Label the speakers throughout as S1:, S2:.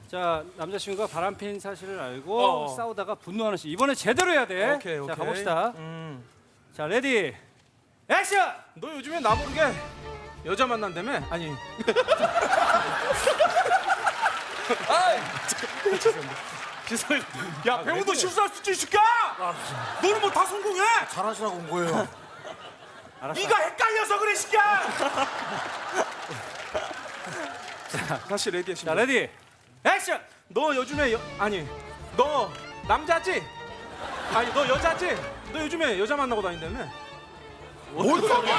S1: 자, 남자친구가 바람핀 사실을 알고 싸우다가 분노하는 씬. 이번에 제대로 해야 돼.
S2: 오케이.
S1: 자, 가봅시다. 자, 레디, 액션!
S2: 너 요즘에 나 모르게 여자 만난다며? 아니. 죄송해요. 야, 배우도 실수할 수 있을까? 너는 뭐 다 성공해?
S3: 잘하시라고 온 거예요.
S1: 알았어.
S2: 네가 헷갈려서 그래, 시끼야. 자, 다시 레디 하시면.
S1: 자, 레디, 액션!
S2: 너 요즘에 아니, 너 남자지? 아니, 너 여자지? 너 요즘에 여자 만나고 다닌다며?
S3: 뭔 소리야?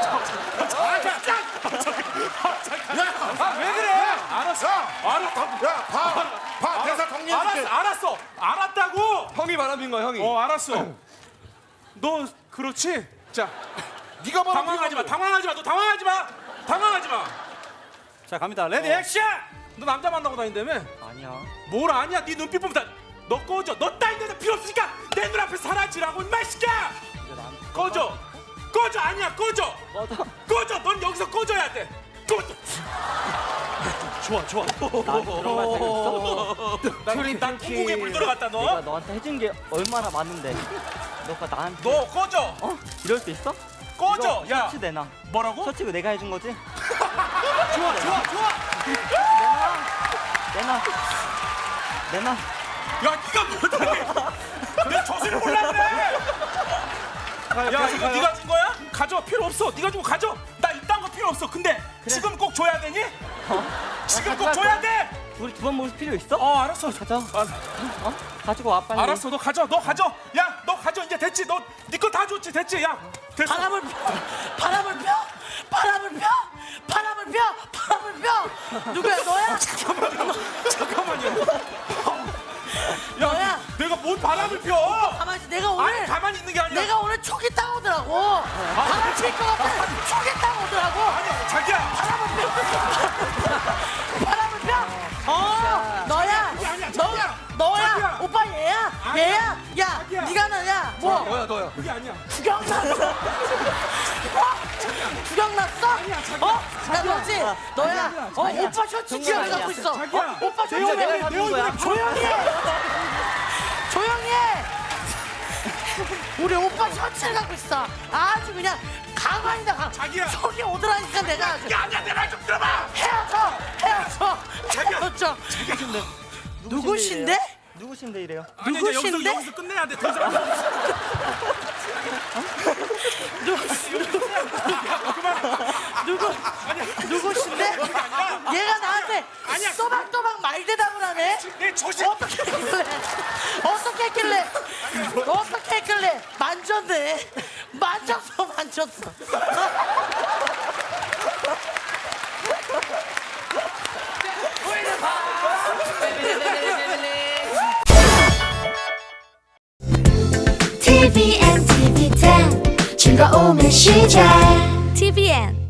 S2: 왜 그래? 알았어. 알았다고.
S3: 야, 봐, 대사 정리해줄게.
S2: 알았어. 알았다고.
S4: 형이 바람핀 거야, 형이.
S2: 알았어. 너 그렇지? 자,
S3: 네가 바로
S2: 당황하지 마. 당황하지 마. 너 당황하지 마. 당황하지 마.
S1: 자, 갑니다. 레디, 액션!
S2: 너 남자 만나고 다닌다며?
S4: 아니야.
S2: 뭘 아니야? 네 눈빛 보면 다. 너 꺼져. 너 따윈 여자 필요 없으니까 내 눈앞에 사라지라고 임마 시키야. 꺼져. 꺼져. 아니야. 꺼져. 꺼져. 넌 여기서 꺼져야 돼. 꺼져. 좋아.
S4: 나 그런 말 잘했어?
S2: 난 통곡에 물 들어갔다 너.
S4: 내가 너한테 해준 게 얼마나 많은데 너가 나한테
S2: 너 꺼져.
S4: 이럴 수 있어?
S2: 꺼져.
S4: 이거
S2: 야.
S4: 셔츠 내놔.
S2: 뭐라고?
S4: 셔츠 이거 내가 해준 거지?
S2: 좋아.
S4: 내놔.
S2: 야, 네가 못하네. 내 저수를 몰라 그래. 야, 이거 네가 준 거야? 가져. 필요 없어. 네가 주고 가져. 나 이딴 거 필요 없어. 근데 지금 꼭 줘야 되니? 지금 꼭 줘야 돼.
S4: 우리 두 번 모을 필요 있어?
S2: 알았어.
S4: 가져. 가지고 와 빨리.
S2: 알았어. 너 가져. 야, 너 가져. 이제 됐지. 너 네 거 다 줬지. 됐지. 야, 됐어.
S5: 바람을 펴. 누구야, 너야?
S2: 잠깐만요.
S5: 너야?
S2: 내가 뭔 바람을 펴?
S5: 가만히 있어. 내가 오늘
S2: 아니, 가만히 있는 게 아니라.
S5: 내가 오늘 촉이 따오더라고. 바람 필 것 같아. 촉이 따오더라고.
S2: 아니야, 자기야.
S5: 바람을 펴. 너야. 너야.
S2: 자기야.
S5: 오빠 얘야. 야, 네가 나야. 뭐?
S4: 너야.
S2: 그게 아니야.
S5: 구경 났어? 구경 났어? 야, 너지? 너야. 오빠 셔츠
S4: 정말
S5: 지어갖고
S4: 아니야.
S5: 있어.
S2: 자기야.
S5: 오빠 셔츠
S4: 내가
S5: 지어갖고
S4: 사준 거야.
S5: 조용히 해. 우리 오빠 셔츠를 갖고 있어. 아주 그냥 가관이다, 강.
S2: 자기야.
S5: 속이 오더라니까 내가 아주.
S2: 야, 아니야. 내 말 좀 들어봐.
S5: 헤어져. 누구신데?
S4: 누구신데 이래요?
S2: 아니, 이제
S5: 누구신데?
S2: 여기서 끝내야 돼. 더 이상.
S5: 누구신데? 얘가 나한테
S2: 아니야.
S5: 또박또박 말대답을 하네.
S2: 내 조심.
S5: 어떻게 했길래 만졌네. 만졌어.
S6: TVN, TV10 즐거움의 시작 TVN